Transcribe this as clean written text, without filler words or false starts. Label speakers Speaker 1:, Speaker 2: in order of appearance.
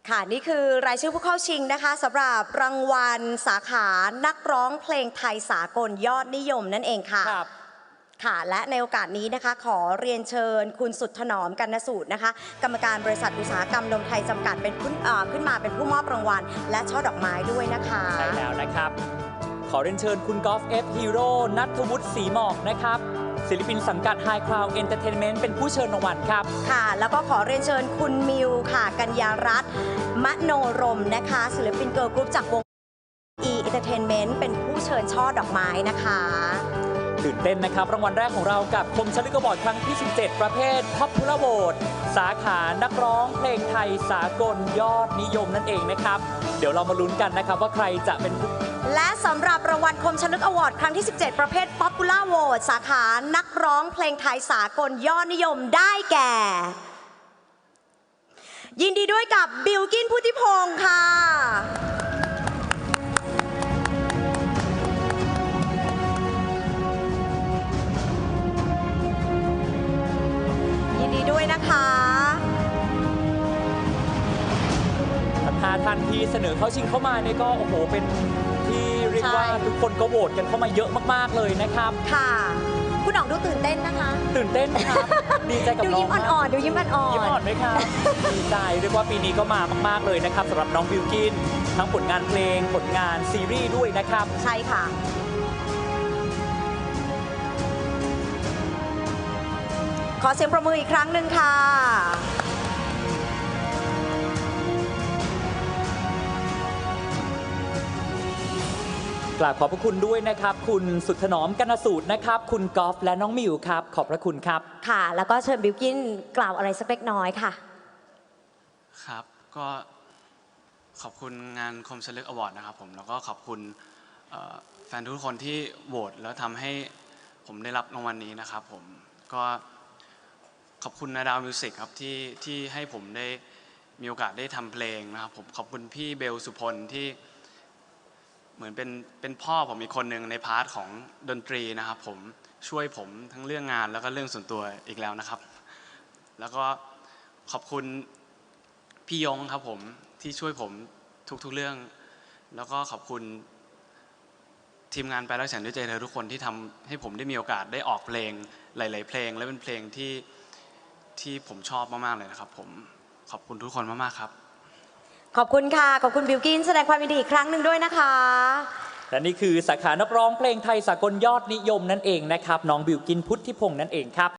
Speaker 1: ค่ะนี่คือรายชื่อผู้เข้าชิงนะคะสำหรับรางวัลสาขานักร้องเพลงไทยสากลยอดนิยมนั่นเองค่ะค่ะและในโอกาสนี้นะคะขอเรียนเชิญคุณสุดถนอมกรรณสูตรนะคะกรรมการบริษัทอุตสาหกรรมนมไทยจำกัดเป็นขึ้นมาเป็นผู้มอบรางวัลและช่อดอกไม้ด้วยนะคะ
Speaker 2: ใช่แล้วนะครับขอเรียนเชิญคุณกอล์ฟเอฟฮีโร่ณัฐวุฒิศรีหมอกนะครับศิลปินสังกัด High Cloud Entertainment เป็นผู้เชิญรางวัลครับ
Speaker 1: ค่ะแล้วก็ขอเรียนเชิญคุณมิวค่ะกัญญารัตน์มโนรมนะคะศิลปินเกิร์ลกรุ๊ปจากวง E Entertainment เป็นผู้เชิญช่อดอกไม้นะคะ
Speaker 2: ตื่นเต้นนะครับรางวัลแรกของเรากับคมชลึกอวอร์ดครั้งที่ 17 ประเภท Popular Vote สาขานักร้องเพลงไทยสากลยอดนิยมนั่นเองนะครับเดี๋ยวเรามาลุ้นกันนะครับว่าใครจะเป็น
Speaker 1: และสำหรับรางวัลคมชลึกอวอร์ดครั้งที่ 17 ประเภท Popular Vote สาขานักร้องเพลงไทยสากลยอดนิยมได้แก่ ยินดีด้วยกับบิลกินพุทธิพงศ์ค่ะยินดีด้วยนะคะ
Speaker 2: 5 ท่านที่เสนอเข้าชิงเข้ามาเนี่ยก็โอ้โหเป็นที่เรียกว่าทุกคนก็โหวตกันเข้ามาเยอะมากๆเลยนะครับ
Speaker 1: ค่ะคุณหน่องดูตื่นเต้นนะคะ
Speaker 2: ตื่นเต้นครับดีใจกับน้อง
Speaker 1: ดูยิ้มอ่อนๆดูยิ้มอ่อนๆ
Speaker 2: ยิ้มอ่อนไหมครับดีใจเรียกว่าปีนี้ก็มามากๆเลยนะครับสำหรับน้องบิลกินทั้งผลงานเพลงผลงานซีรีส์ด้วยนะครับ
Speaker 1: ใช่ค่ะขอเสียงประมืออีกครั้งหนึ่งค่ะ
Speaker 2: กราบขอบพระคุณด้วยนะครับคุณสุดถนอมกนสูตรนะครับคุณกอล์ฟและน้องมิวครับขอบพระคุณครับ
Speaker 1: ค่ะแล้วก็เชิญบิลกินกล่าวอะไรสักเล็กน้อยค่ะ
Speaker 3: ครับก็ขอบคุณงานคมชลึกอวอร์ดนะครับผมแล้วก็ขอบคุณแฟนทุกคนที่โหวตแล้วทำให้ผมได้รับรางวัลนี้นะครับผมก็ขอบคุณนาดาวมิวสิกครับที่ให้ผมได้มีโอกาสได้ทำเพลงนะครับผมขอบคุณพี่เบลสุพลที่เหมือนเป็นพ่อผมอีกคนหนึ่งในพาร์ทของดนตรีนะครับผมช่วยผมทั้งเรื่องงานแล้วก็เรื่องส่วนตัวอีกแล้วนะครับแล้วก็ขอบคุณพี่ยงครับผมที่ช่วยผมทุกๆเรื่องแล้วก็ขอบคุณทีมงานไปแล้วฉันด้วยใจเธอทุกคนที่ทำให้ผมได้มีโอกาสได้ออกเพลงหลายๆเพลงและเป็นเพลงที่ผมชอบมากๆเลยนะครับผมขอบคุณทุกคนมากๆครับ
Speaker 1: ขอบคุณค่ะขอบคุณบิลกินแสดงความยินดีอีกครั้งหนึ่งด้วยนะคะ
Speaker 2: และนี่คือสาขานักร้องเพลงไทยสากลยอดนิยมนั่นเองนะครับน้องบิลกินพุทธิพงศ์นั่นเองครับ